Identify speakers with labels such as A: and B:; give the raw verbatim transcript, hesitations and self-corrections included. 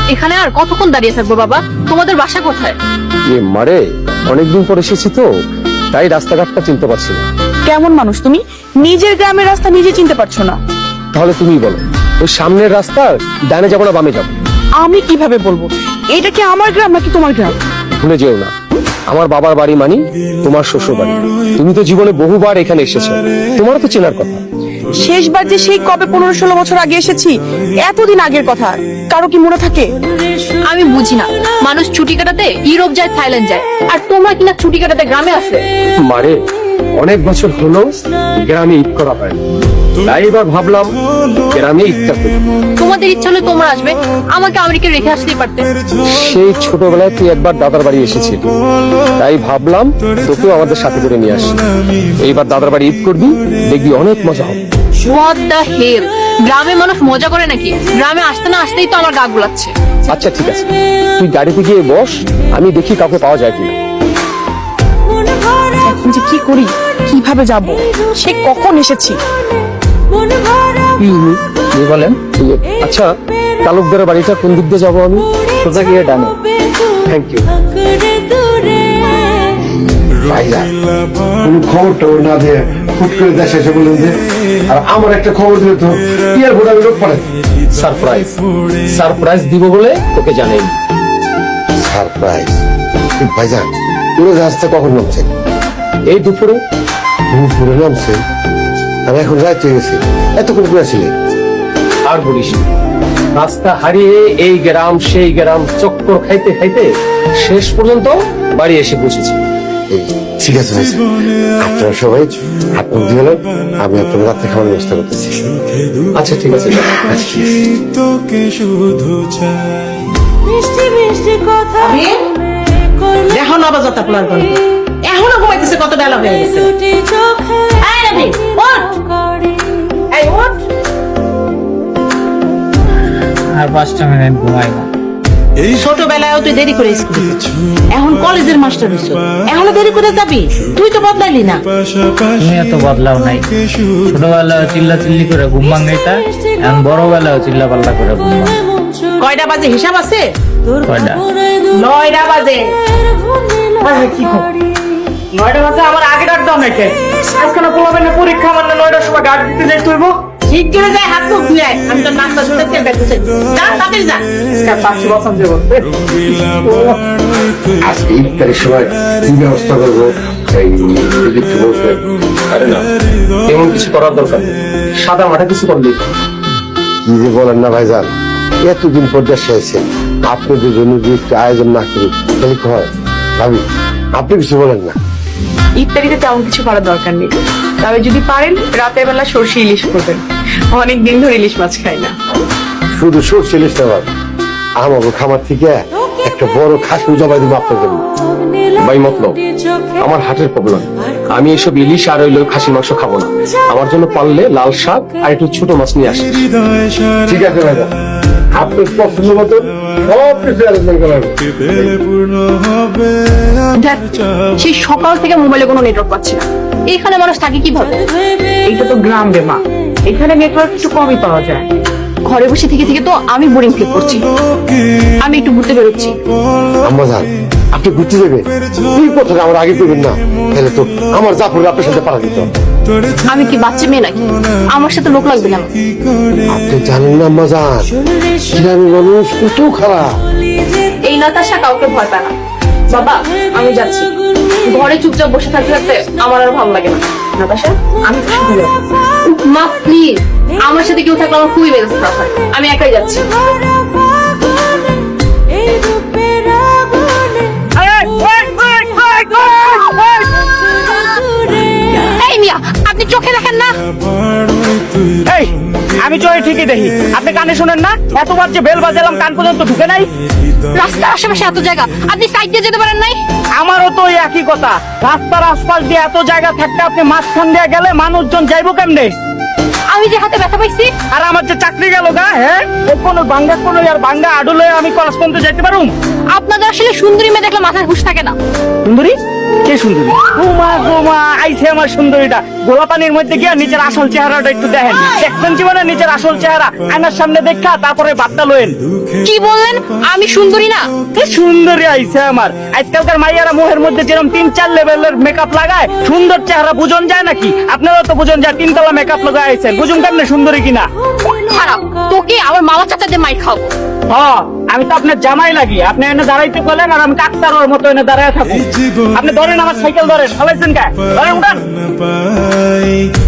A: এখানে আর কতক্ষণ দাঁড়িয়ে থাকবো বাবা? তোমাদের বাসা কোথায়?
B: এ মারে, অনেকদিন পর এসেছি তো, তাই রাস্তাঘাটটা চিনতে পারছি না।
C: কেমন মানুষ তুমি, নিজের গ্রামের রাস্তা নিজে চিনতে পারছো না?
B: তাহলে তুমি বলো, ওই সামনের রাস্তার ডানে যাবো না বামে যাবো?
C: আমি কিভাবে বলবো এটা কি আমার গ্রাম নাকি তোমার গ্রাম?
B: ভুলে যেও না, আমার বাবার বাড়ি মানি তোমার শ্বশুর বাড়ি। তুমি তো জীবনে বহুবার এখানে এসেছো, তোমারও তো চেনার কথা।
C: শেষবার যে সেই কবে পনেরো ষোলো বছর আগে এসেছি, এতদিন আগের কথা কারো কি মনে থাকে?
A: আমি বুঝি না, মানুষ ছুটি কাটাতে ইউরোপ যায়, থাইল্যান্ড যায়, আর তোমরা কিনা ছুটি কাটাতে গ্রামে আসে।
B: মারে, অনেক বছর হলো গ্রামে ঈদ করা হয় না, তাই এবার ভাবলাম গ্রামে ঈদটা করি।
A: তোমাদের ইচ্ছা হলে তোমরা আসবে, আমাকে আমেরিকা রেখে আসতেই পারতে।
B: সেই ছোটবেলায় তুই একবার দাদার বাড়ি এসেছিলি, তাই ভাবলাম তোকেও আমাদের সাথে করে নিয়ে আসি। এইবার দাদার বাড়ি ঈদ করবি, দেখবি অনেক মজা হবে।
A: হোয়াট দ্য হেল, গ্রামে মানুষ মজা করে নাকি? গ্রামে আসতে না আসতেই তো আমার গা গুলাচ্ছে।
B: আচ্ছা ঠিক আছে, তুই গাড়িতে গিয়ে বস, আমি দেখি কাউকে পাওয়া যায় কিনা।
C: এখন যে কি করি, কিভাবে যাব? সে কখন এসেছি?
B: কি বলেন? আচ্ছা, তালুকদারের বাড়িটা কোন দিক দিয়ে যাবো আমি? সোজা গিয়ে ডানে। Thank you.
D: কোন খবর টবর না দিয়ে হুট করে দেশে এসে বললেন যে, আর আমার একটা খবর দিলে তো ইয়ার ভোট আমি লোক পড়ে।
B: সারপ্রাইজ সারপ্রাইজ দিব বলে তোকে জানাই।
D: সারপ্রাইজ? ভাইজান, উড়োজাহাজটা কখন নামছে?
B: এই দুপুরে।
D: দুপুরে নামছে? আমি এখন রাত হয়ে গেছি, এতক্ষণ করে ছিলেন?
B: আর বলিস না, রাস্তা হারিয়ে এই গ্রাম সেই গ্রাম চক্কর খাইতে খাইতে শেষ পর্যন্ত বাড়ি এসে পৌঁছেছি।
D: এই, ঠিক আছে ভাইজান, আপনারা সবাই হাত মুখ দিয়ে গেলেন, আমি আপনার রাত্রে খাওয়ার ব্যবস্থা করতেছি।
B: আচ্ছা ঠিক আছে।
E: তোকে শুধু চাই।
F: দেখো নবজাতক আপনার গল্প এখনো ঘুমাইতেছে, কত বেলা হয়ে গেছে। এই রবি, ওঠ। এই ওঠ।
G: আর পাঁচটা মিনিট ঘুমাইবো।
F: ছোটবেলায় তুই দেরি করে স্কুল, এখন কলেজের মাস্টার হইছ, এখনো দেরি করে যাবি? তুই তো বদলাইলি না।
G: তুমি এত বদলাও নাই, ছোটবেলায় চিল্লা চিল্লি করে ঘুম ভাঙাইতা, এখন বড়বেলায় চিল্লা পাল্লা করে ঘুম ভাঙ।
F: কয়টা বাজে হিসাব আছে?
G: কয়টা?
F: নয়টা বাজে। কি খবর? নয়টা বাজে আমার আগে ডাক দাও নাকি? আজকে না পোলাবেন না পরীক্ষা, আমার না নয়টার সময় গাড়ি দিতে যাই তুইব। ঠিক করে যায়, হাত মুখ ধুয়ে আয়। আমি তো নাস্তা শুনতে তেল বেঁচেছি। যা তাড়াতাড়ি যা। পাঁচশো বছর দেবো।
D: আজকে ইফতারের সময় কি ব্যবস্থা করবো এই যদি একটু বলতেন।
B: আরে না, এমন কিছু করার দরকার নেই, সাদা মাঠা কিছু করলেই।
D: কি যে বলেন না ভাইজান, এতদিন পর দেশে এসেছেন, আপনাদের জন্য যদি একটু আয়োজন না করি তাহলে কি হয়? ভাবি, আপনি কিছু বলেন না।
C: ইত্যাদিতে তেমন কিছু করার দরকার নেই, তবে যদি পারেন রাতের বেলা সর্ষে ইলিশ করবেন। অনেক দিন ধরে ইলিশ মাছ খাই না।
D: শুধু সরষে ইলিশ না, আমাকে খামার থেকে একটা বড় খাসি জবাই দিব আপনার জন্য।
B: ভাই মতলব, আমার হার্টের প্রবলেম, আমি এসব ইলিশ আর ওই খাসির মাংস খাবো না। আমার জন্য পারলে লাল শাক আর একটু ছোট মাছ নিয়ে আসি।
D: ঠিক আছে ভাইজান, আপনার পছন্দ মতো সব কিছু আলোচনা করা হবে।
A: দেখ, সেই সকাল থেকে মোবাইলে কোনো নেটওয়ার্ক পাচ্ছি না। এখানে মানুষ থাকে কিভাবে?
C: এইটা তো গ্রাম রে মা, এখানে নেটওয়ার্ক একটু কমই পাওয়া যায়।
A: ঘরে বসে থেকে থেকে তো আমি বোরিং ফিল করছি। আমি একটু ঘুরতে বেরোচ্ছি।
D: আম্মা যান, আপনি ঘুরতে যাবেন? এই কথাটা আমার আগে করবেন না, তাহলে তো আমার জাফর আপনার সাথে পাড়া দিত।
A: আমি কি বাচ্চা মেয়ে নাকি? আমার সাথে লোক লাগবে কেন?
D: আপনি জানেন না আম্মা যান, গ্রামের মানুষ কত খারাপ।
A: এই নাতাশা কাউকে ভয় পায় না। বাবা, আমি যাচ্ছি। ঘরে চুপচাপ বসে থাকতে থাকতে আমার আর ভালো লাগে না। নাতাশা, আমি তো সাথে যাবো। মা প্লিজ, আমার সাথে কেউ থাকলে আমার খুবই মেজাজ খারাপ হয়। আমি একাই যাচ্ছি। এই মিয়া, আপনি চোখে দেখেন না?
G: এই, আমি চোখে ঠিকই দেখি, আপনি কানে শোনেন না? এতবার যে বেল বাজালাম, কান পর্যন্ত ঢুকে নাই।
A: রাস্তার আশেপাশে এত জায়গা, আপনি সাইড দিয়ে যেতে পারেন নাই?
G: আমারও তো ওই একই কথা, রাস্তার আশপাশ দিয়ে এত জায়গা থাকতে আপনি মাঝখান দিয়ে গেলে মানুষজন যাইবো কেমনে?
A: আমি যে হাতে ব্যথা পাইছি,
G: আর আমার যে চাকরি গেল গা, হ্যাঁ, কোনো বাঙ্গা কোনো আর বাঙ্গা আডুলে আমি কলেজ পর্যন্ত যাইতে পারুম?
A: আপনাদের আসলে সুন্দরী মেয়ে দেখলে মাথায় হুঁশ থাকে না।
G: সুন্দরী?
F: কে সুন্দরী? গোমা গোমা আইছে আমার সুন্দরীটা। গোলা পানির মধ্যে গিয়া নিচের আসল চেহারাটা একটু দেখেন। দেখবেন জীবনে নিচের আসল চেহারা আয়নার সামনে দেখা তারপরে বার্তা লয়েন।
A: কি বললেন আমি সুন্দরী না?
F: কি সুন্দরী আইছে আমার। আজকালকার মাইয়ারা মুখের মধ্যে যেরকম তিন চার লেভেলের মেকআপ লাগায়, সুন্দর চেহারা বুঝন যায় নাকি? আপনারা তো বুঝন যায় তিনতলা মেকআপ লাগায় আইছেন, বুঝুন কেমনে সুন্দরী কিনা?
A: খারাপ, তোকে আমার মামা চাচাদের মাই খাবো।
F: হ্যাঁ, আমি তো আপনার জামাই লাগি। আপনি এনে দাঁড়াইতে বলেন আর আমি ডাক্তারের মতো এনে দাঁড়ায় থাকুন। আপনি ধরেন আমার সাইকেল ধরেন, ফলাইছেন কে? ধরেন উঠান।
E: পাই